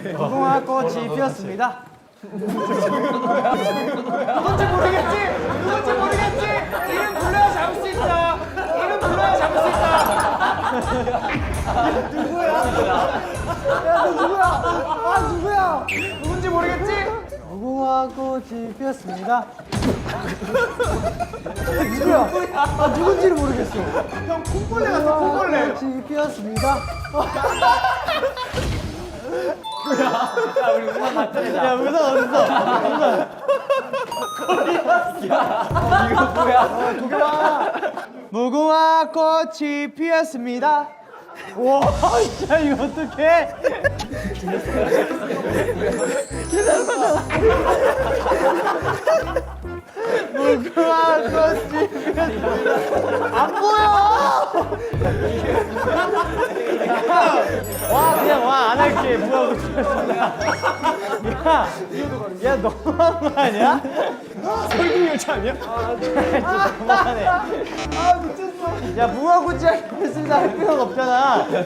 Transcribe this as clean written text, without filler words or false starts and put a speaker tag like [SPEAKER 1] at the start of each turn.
[SPEAKER 1] 무궁화 꽃이 피었습니다. 누군지 모르겠지? 누군지 모르겠지? 이름 불러야 잡을 수 있다. 이름 불러야 잡을 수 있다. 누구야? 야, 너 누구야? 아, 누구야? 누군지 모르겠지? 무궁화 꽃이 피었습니다. 누구야? 아, 누군지를 모르겠어. 형, 콩벌레 같아, 콩벌레. 꽃이 피었습니다. 야, 우리 우산 맞춰내자. 야, 우산 어딨어? 이거 뭐야? 도겸아. 무궁화 꽃이 피었습니다. 와, 진짜 이거 어떡해? 무궁화 꽃이 피었습니다. 안 보여! 와, 그냥 와, 안 할게. 무궁화 꽃이 피었습니다. 야, 너무한 거 아니야? 설국 열차 아니야? 진짜 너무하네. 아, 미쳤어. 야, 무궁화 꽃이 피었습니다 할 필요가 없잖아.